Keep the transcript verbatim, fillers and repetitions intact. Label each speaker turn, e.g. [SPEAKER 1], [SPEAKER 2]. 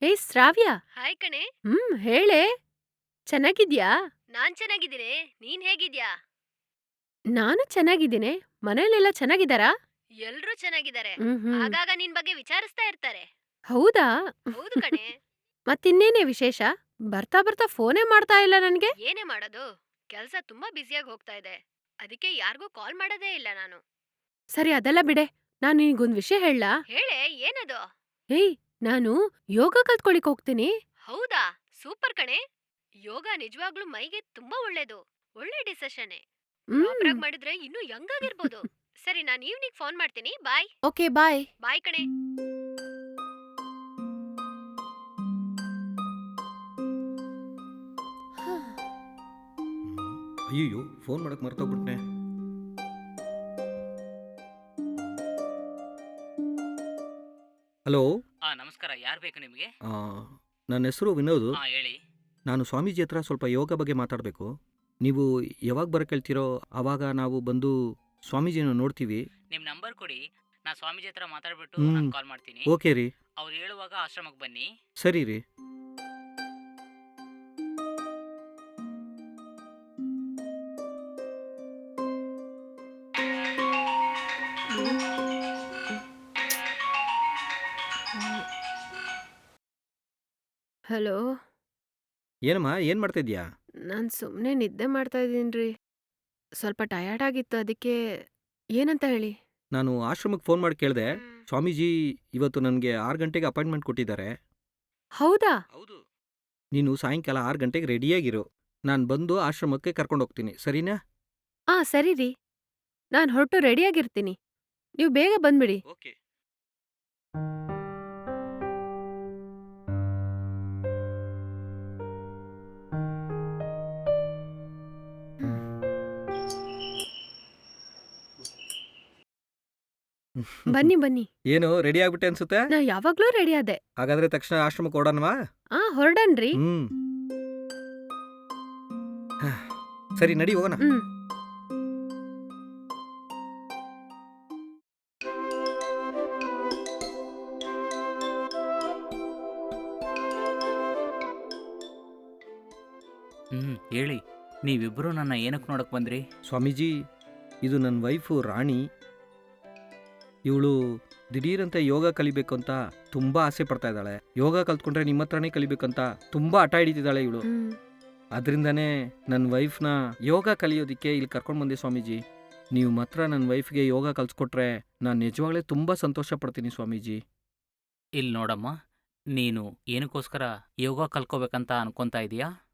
[SPEAKER 1] ಹೇ ಶ್ರಾವ್ಯ.
[SPEAKER 2] Hi ಕಣೆ.
[SPEAKER 1] ಹ್ಮ್ ಹೇಳೆ. ಚೆನ್ನಾಗಿದ್ಯಾ?
[SPEAKER 2] ನಾನ್ ಚೆನ್ನಾಗಿದ್ದೀನಿ. ನೀನ್ ಹೇಗಿದ್ಯಾ?
[SPEAKER 1] ನಾನು ಚೆನ್ನಾಗಿದ್ದೀನಿ. ಮನೇಲೆಲ್ಲ ಚೆನ್ನಾಗಿದ್ದಾರಾ?
[SPEAKER 2] ಎಲ್ರೂ ಚೆನ್ನಾಗಿದ್ದಾರೆ.
[SPEAKER 1] ಹ್ಮ್ ಹ್ಮ್
[SPEAKER 2] ಆಗಾಗ ನಿನ್ ಬಗ್ಗೆ ವಿಚಾರಿಸ್ತಾ ಇರ್ತಾರೆ.
[SPEAKER 1] ಹೌದಾ?
[SPEAKER 2] ಹೌದು ಕಣೆ.
[SPEAKER 1] ಮತ್ತಿನ್ನೇನೇ ವಿಶೇಷ? ಬರ್ತಾ ಬರ್ತಾ ಫೋನೇ ಮಾಡ್ತಾ ಇಲ್ಲ ನನ್ಗೆ.
[SPEAKER 2] ಏನೇ ಮಾಡೋದು? ಕೆಲ್ಸ ತುಂಬಾ ಬ್ಯುಸಿಯಾಗಿ ಹೋಗ್ತಾ ಇದೆ. ಅದಕ್ಕೆ ಯಾರಿಗೂ ಕಾಲ್ ಮಾಡೋದೇ ಇಲ್ಲ ನಾನು.
[SPEAKER 1] ಸರಿ ಅದೆಲ್ಲ ಬಿಡೆ. ನಾನು ನಿನಗೊಂದ್ ವಿಷಯ ಹೇಳಲಾ?
[SPEAKER 2] ಹೇಳೆ, ಏನದು?
[SPEAKER 1] ಏಯ್, ನಾನು ಯೋಗ ಕಲ್ತ್ಕೊಳಿಕ್ ಹೋಗ್ತೀನಿ.
[SPEAKER 2] ಹೌದಾ? ಸೂಪರ್ ಕಣೆ. ಯೋಗ ನಿಜವಾಗ್ಲೂ ಮೈಗೆ ತುಂಬಾ ಒಳ್ಳೇದು. ಒಳ್ಳೆ ಡಿಸಿಷನ್ನೇ. ಪ್ರಾಪರ್
[SPEAKER 1] ಹ್ಮ್
[SPEAKER 2] ಆಗಿ ಮಾಡಿದ್ರೆ ಇನ್ನೂ ಯಂಗ್ ಆಗಿರ್ಬೋದು. ಸರಿ, ನಾನು ಈವ್ನಿಂಗ್ ಫೋನ್ ಮಾಡ್ತೀನಿ. ಬಾಯ್.
[SPEAKER 1] Okay bye.
[SPEAKER 2] ಬಾಯ್ ಕಣೆ.
[SPEAKER 3] ಅಯ್ಯೋ ಫೋನ್ ಮಾಡಕ್ ಮರ್ತೋಗ್ಬಿಟ್ನೆ. ಹಲೋ.
[SPEAKER 4] ಆ ನಮಸ್ಕಾರ. ಯಾರು ಬೇಕು ನಿಮಗೆ?
[SPEAKER 3] ಆ, ನನ್ನ ಹೆಸರು ವಿನೋದ್.
[SPEAKER 4] ಹಾ ಹೇಳಿ.
[SPEAKER 3] ನಾನು ಸ್ವಾಮೀಜಿ ಹತ್ರ ಸ್ವಲ್ಪ ಯೋಗ ಬಗ್ಗೆ ಮಾತಾಡಬೇಕು. ನೀವು ಯಾವಾಗ ಬರಕ್ಕೆ ಹೇಳ್ತೀರೋ ಆವಾಗ ನಾವು ಬಂದು ಸ್ವಾಮೀಜಿನ ನೋಡ್ತೀವಿ.
[SPEAKER 4] ನಿಮ್ಮ ನಂಬರ್ ಕೊಡಿ, ನಾ ಸ್ವಾಮೀಜಿ ಹತ್ರ ಮಾತಾಡ್ಬಿಟ್ಟು
[SPEAKER 3] ಹ್ಮ್.
[SPEAKER 4] ನಾನು ಕಾಲ್ ಮಾಡ್ತೀನಿ.
[SPEAKER 3] ಓಕೆ ರೀ.
[SPEAKER 4] ಅವ್ರು ಹೇಳುವಾಗ ಆಶ್ರಮಕ್ಕೆ ಬನ್ನಿ.
[SPEAKER 3] ಸರಿ ರೀ.
[SPEAKER 1] ಹಲೋ.
[SPEAKER 3] ಏನಮ್ಮ ಏನು ಮಾಡ್ತಾ ಇದೀಯಾ?
[SPEAKER 1] ನಾನು ಸುಮ್ಮನೆ ನಿದ್ದೆ ಮಾಡ್ತಾ ಇದ್ದೀನ್ರಿ. ಸ್ವಲ್ಪ ಟಯರ್ಡ್ ಆಗಿತ್ತು, ಅದಕ್ಕೆ ಏನಂತ ಹೇಳಿ?
[SPEAKER 3] ನಾನು ಆಶ್ರಮಕ್ಕೆ ಫೋನ್ ಮಾಡಿ ಕೇಳಿದೆ.
[SPEAKER 2] ಹ್ಮ್.
[SPEAKER 3] ಸ್ವಾಮೀಜಿ ಇವತ್ತು ನನಗೆ ಆರು ಗಂಟೆಗೆ ಅಪಾಯಿಂಟ್ಮೆಂಟ್ ಕೊಟ್ಟಿದ್ದಾರೆ.
[SPEAKER 1] ಹೌದಾ?
[SPEAKER 3] ಹೌದು. ನೀನು ಸಾಯಂಕಾಲ ಆರು ಗಂಟೆಗೆ ರೆಡಿಯಾಗಿರು. ನಾನು ಬಂದು ಆಶ್ರಮಕ್ಕೆ ಕರ್ಕೊಂಡು ಹೋಗ್ತೀನಿ, ಸರಿನಾ?
[SPEAKER 1] ಆ ಸರಿ ರೀ. ನಾನು ಹೊರಟು ರೆಡಿಯಾಗಿರ್ತೀನಿ. ನೀವು ಬೇಗ ಬಂದ್ಬಿಡಿ.
[SPEAKER 3] ಓಕೆ.
[SPEAKER 1] ಬನ್ನಿ ಬನ್ನಿ.
[SPEAKER 3] ಏನು ರೆಡಿ ಆಗ್ಬಿಟ್ಟೆ ಅನ್ಸುತ್ತೆ?
[SPEAKER 1] ನಾ ಯಾವಾಗ್ಲೂ ರೆಡಿ ಆದೆ.
[SPEAKER 3] ಹಾಗಾದ್ರೆ ತಕ್ಷಣ ಆಶ್ರಮಕ್ಕೆ ಓಡೋಣವಾ?
[SPEAKER 1] ಆ ಹೊರಡನ್ರಿ.
[SPEAKER 3] ಹ್ಮ್. ಹಾ, ಸರಿ ನಡಿ ಹೋಗೋಣ.
[SPEAKER 1] ಹ್ಮ್.
[SPEAKER 4] ಹ್ಮ್ ಹೇಳಿ. ನೀವಿಬ್ರು ನನ್ನ ಏನಕ್ಕೆ ನೋಡಕ್ ಬಂದ್ರಿ?
[SPEAKER 3] ಸ್ವಾಮೀಜಿ, ಇದು ನನ್ನ ವೈಫು ರಾಣಿ. ಇವಳು ದಿಢೀರಂತೆ ಯೋಗ ಕಲಿಬೇಕು ಅಂತ ತುಂಬಾ ಆಸೆ ಪಡ್ತಾ ಇದ್ದಾಳೆ. ಯೋಗ ಕಲ್ತ್ಕೊಂಡ್ರೆ ನಿಮ್ಮ ಹತ್ರನೇ ಕಲಿಬೇಕಂತ ತುಂಬಾ ಹಠ ಹಿಡಿತಿದ್ದಾಳೆ ಇವಳು.
[SPEAKER 1] ಹ್ಮ್.
[SPEAKER 3] ಅದರಿಂದನೇ ನನ್ನ ವೈಫ್ನ ಯೋಗ ಕಲಿಯೋದಕ್ಕೆ ಇಲ್ಲಿ ಕರ್ಕೊಂಡು ಬಂದೆ ಸ್ವಾಮೀಜಿ. ನೀವು ಮಾತ್ರ ನನ್ನ ವೈಫ್ಗೆ ಯೋಗ ಕಲ್ಸ್ಕೊಟ್ರೆ ನಾನು ನಿಜವಾಗ್ಲೇ ತುಂಬ ಸಂತೋಷ ಪಡ್ತೀನಿ ಸ್ವಾಮೀಜಿ.
[SPEAKER 4] ಇಲ್ಲಿ ನೋಡಮ್ಮ, ನೀನು ಏನಕ್ಕೋಸ್ಕರ ಯೋಗ ಕಲ್ತ್ಕೋಬೇಕಂತ ಅನ್ಕೊಂತಾ ಇದೀಯಾ?